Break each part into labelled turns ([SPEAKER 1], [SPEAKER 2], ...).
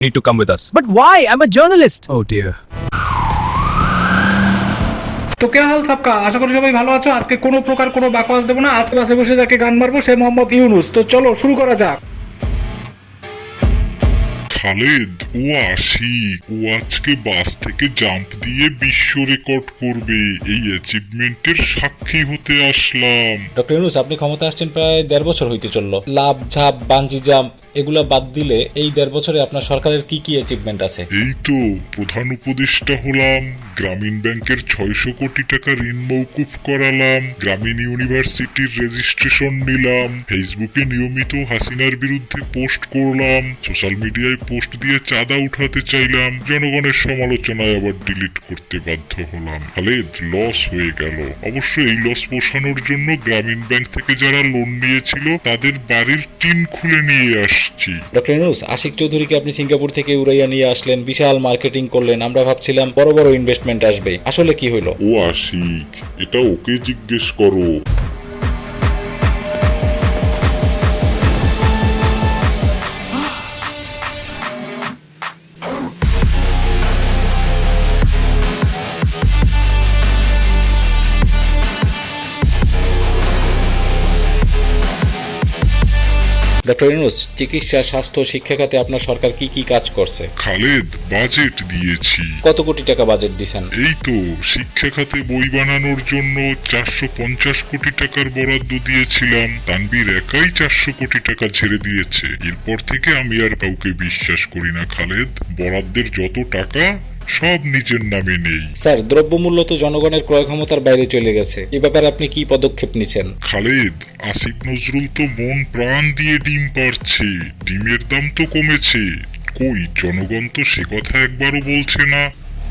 [SPEAKER 1] Need to come with us.
[SPEAKER 2] But why? I'm a journalist.
[SPEAKER 1] Oh dear.
[SPEAKER 3] তো কে হাল সাবকা, আশা করি সবাই ভালো আছো। আজকে কোনো প্রকার কোনো বাকওয়াজ দেবো না, আজকে বাসে বসে যাকে গান মারবো সে মোহাম্মদ ইউনুস। তো চলো শুরু করা যাক।
[SPEAKER 4] খালেদ, ও আশিক, ও আজকে বাস থেকে জাম্প দিয়ে বিশ্ব রেকর্ড করবে। এই অ্যাচিভমেন্টের সাক্ষী হতে আসলাম।
[SPEAKER 5] ডক্টর ইউনুস, আপনি ক্ষমতা আসছেন প্রায় 1.5 বছর হইতে চললো। লাভ ঝাপ বানজি জাম্প এগুলা বাদ দিলে এই 1.5 বছরে আপনার সরকারের কি কি অ্যাচিভমেন্ট আছে?
[SPEAKER 4] এই তো প্রধান উপদেষ্টা হলাম, গ্রামীণ ব্যাংকের 600 কোটি টাকা ঋণ মওকুফ করালাম, গ্রামীণ ইউনিভার্সিটির রেজিস্ট্রেশন নিলাম, ফেসবুকে নিয়মিত হাসিনার বিরুদ্ধে পোস্ট করলাম, সোশ্যাল মিডিয়ায় পোস্ট দিয়ে চাঁদা উঠাতে চাইলাম, জনগণের সমালোচনায় আবার ডিলিট করতে বাধ্য হলাম। খালেদ, লস হয়ে গেল। অবশ্য এই লস পোষানোর জন্য গ্রামীণ ব্যাংক থেকে যারা লোন নিয়েছিল তাদের বাড়ির টিন খুলে নিয়ে
[SPEAKER 5] ডক্টর ইউনুস, আশিক চৌধুরীকে আপনি সিঙ্গাপুর থেকে উড়াইয়া নিয়ে আসলেন, বিশাল মার্কেটিং করলেন, আমরা ভাবছিলাম বড় বড় ইনভেস্টমেন্ট আসবে, আসলে কি হইলো?
[SPEAKER 4] ও আশিক, এটা ওকে জিজ্ঞেস করো।
[SPEAKER 5] ডক্টর ইউনুস, চিকিৎসা, স্বাস্থ্য, শিক্ষা খাতে আপনার সরকার কি কি কাজ করছে?
[SPEAKER 4] খালেদ, বাজেট দিয়েছি।
[SPEAKER 5] কত কোটি টাকা বাজেট দিছেন?
[SPEAKER 4] এই তো শিক্ষা খাতে বই বানানোর জন্য 450 কোটি টাকার বরাদ্দ দিয়েছিলাম, তানভীর একাই 400 কোটি টাকা ছেড়ে দিয়েছে। এরপর থেকে আমি আর কাউকে বিশ্বাস করি না খালেদ। বরাদ্দের যত টাকা সব নিজের নামে নেই।
[SPEAKER 5] স্যার, দ্রব্যমূল্য তো জনগণের ক্রয় ক্ষমতার বাইরে চলে গেছে, এ ব্যাপারে আপনি কি পদক্ষেপ নিছেন?
[SPEAKER 4] খালেদ, আসিফ নজরুল তো মন প্রাণ দিয়ে ডিম পাড়ছে, ডিমের দাম তো কমেছে, কই জনগণ তো সে কথা একবারও বলছে না।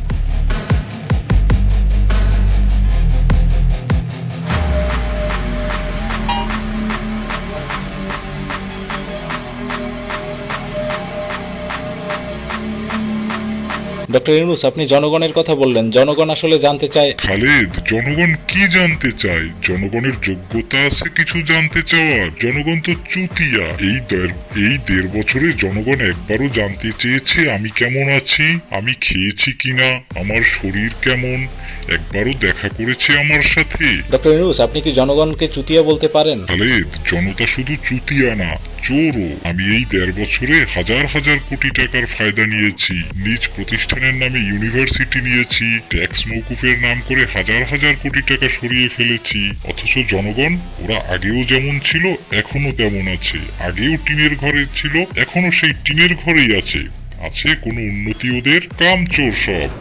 [SPEAKER 5] ডক্টর ইউনুস, আপনি জনগণের কথা বললেন, জনগণ আসলে জানতে চায়।
[SPEAKER 4] খালেদ, জনগণ কি জানতে চায়? জনগণের যোগ্যতা আছে কিছু জানতে চাওয়ার? জনগণ তো চুতিয়া। এই 1.5 বছরে জনগণ একবারও জানতে চেয়েছে আমি কেমন আছি, আমি খেয়েছি কিনা, আমার শরীর কেমন, একবারও দেখা করেছে আমার সাথে?
[SPEAKER 5] ডক্টর ইউনুস, আপনি কি জনগণকে চুতিয়া বলতে পারেন?
[SPEAKER 4] খালেদ, জনতা শুধু চুতিয়া না, চোরও। আমি এই 1.5 বছরে হাজার হাজার কোটি টাকার ফায়দা নিয়েছি, নিজ প্রতিষ্ঠানের নামে ইউনিভার্সিটি নিয়েছি, ট্যাক্স মওকুফের নাম করে হাজার হাজার কোটি টাকা সরিয়ে ফেলেছি। অথচ জনগণ, ওরা আগেও যেমন ছিল এখনো তেমন আছে, আগেও টিনের ঘরে ছিল এখনো সেই টিনের ঘরেই আছে। আছে কোনো উন্নতি ওদের? কামচোর সব।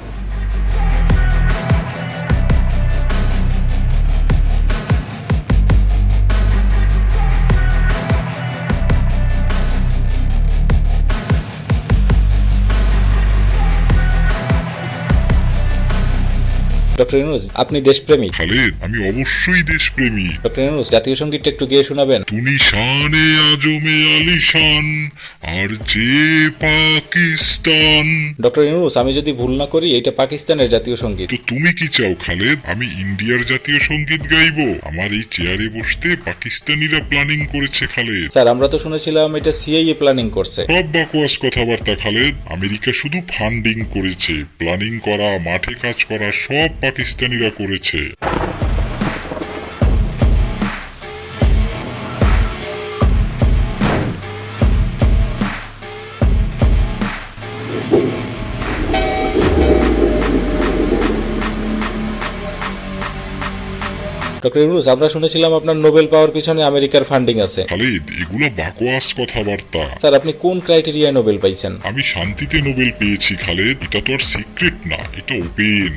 [SPEAKER 5] ডক্টর ইউনুস, আপনি দেশপ্রেমী?
[SPEAKER 4] খালেদ, আমি অবশ্যই দেশপ্রেমী।
[SPEAKER 5] ডক্টর ইউনুস, জাতীয় সঙ্গীতটা একটু গেয়ে শোনাবেন?
[SPEAKER 4] তুনি শানে আজমে আলিশান আর যে পাকিস্তান।
[SPEAKER 5] ডক্টর ইউনুস, আমি যদি ভুল না করি এটা পাকিস্তানের জাতীয় সঙ্গীত।
[SPEAKER 4] তো তুমি কি চাও খালেদ, আমি ইন্ডিয়ার জাতীয় সঙ্গীত গাইবো? আমার এই চেয়ারে বসতে পাকিস্তানিরা প্ল্যানিং করেছে খালেদ।
[SPEAKER 5] স্যার, আমরা তো শুনেছিলাম এটা সিআইএ প্ল্যানিং করছে।
[SPEAKER 4] সব বাকওয়াস কথাবার্তা খালেদ। আমেরিকা শুধু ফান্ডিং করেছে, প্ল্যানিং করা, মাঠে কাজ করা সব পাকিস্তানিরা করেছে।
[SPEAKER 5] ডক্টর ইউনুস, আমরা শুনেছিলাম আপনার নোবেল পাওয়ার পিছনে আমেরিকার ফান্ডিং আছে।
[SPEAKER 4] খালেদ, এগুলো বাকওয়াস কথাবার্তা।
[SPEAKER 5] স্যার, আপনি কোন ক্রাইটেরিয়ায় নোবেল পাইছেন?
[SPEAKER 4] আমি শান্তিতে নোবেল পেয়েছি খালেদ, এটা তো আর সিক্রেট না, এটা ওপেন।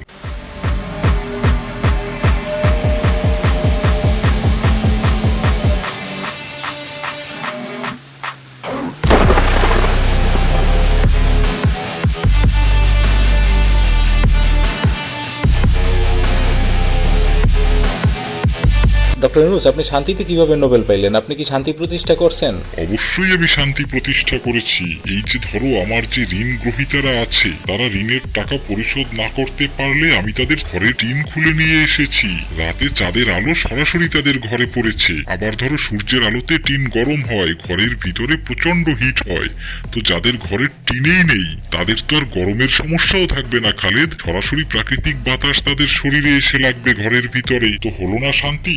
[SPEAKER 5] ডক্টর ইউনূস, আপনি শান্তিতে কিভাবে নোবেল পাইলেন? আপনি কি শান্তি প্রতিষ্ঠা করছেন?
[SPEAKER 4] অবশ্যই আমি শান্তি প্রতিষ্ঠা করেছি। এই যে ধরো আমার যে ঋণ গ্রহীতারা আছে, তারা ঋণের টাকা পরিশোধ না করতে পারলে আমি তাদের ঘরে টিন খুলে নিয়ে এসেছি। রাতে চাঁদের আলো সরাসরি তাদের ঘরে পড়েছে। আবার ধরো সূর্যের আলোতে টিন গরম হয়, ঘরের ভিতরে প্রচন্ড হিট হয়। তো যাদের ঘরে টিনেই নেই তাদের তো আর গরমের সমস্যাও থাকবে না খালেদ। সরাসরি প্রাকৃতিক বাতাস তাদের শরীরে এসে লাগবে ঘরের ভিতরে। তো হলো না শান্তি?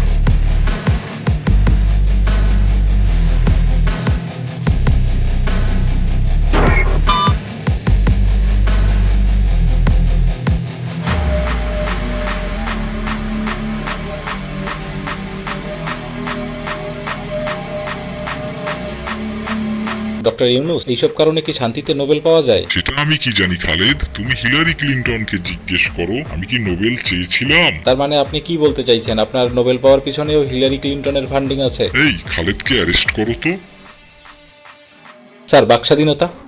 [SPEAKER 5] ডক্টর ইউনূস, এইসব কারণে কি শান্তিতে নোবেল পাওয়া যায়?
[SPEAKER 4] সেটা আমি কি জানি খালেদ, তুমি হিলারি ক্লিনটনকে জিজ্ঞেস করো। আমি কি নোবেল চেয়েছিলাম?
[SPEAKER 5] তার মানে আপনি কি বলতে চাইছেন, আপনার নোবেল পাওয়ার পিছনেও হিলারি ক্লিনটনের ফান্ডিং আছে?
[SPEAKER 4] এই খালেদকে অ্যারেস্ট করো তো।
[SPEAKER 5] স্যার, বাক স্বাধীনতা।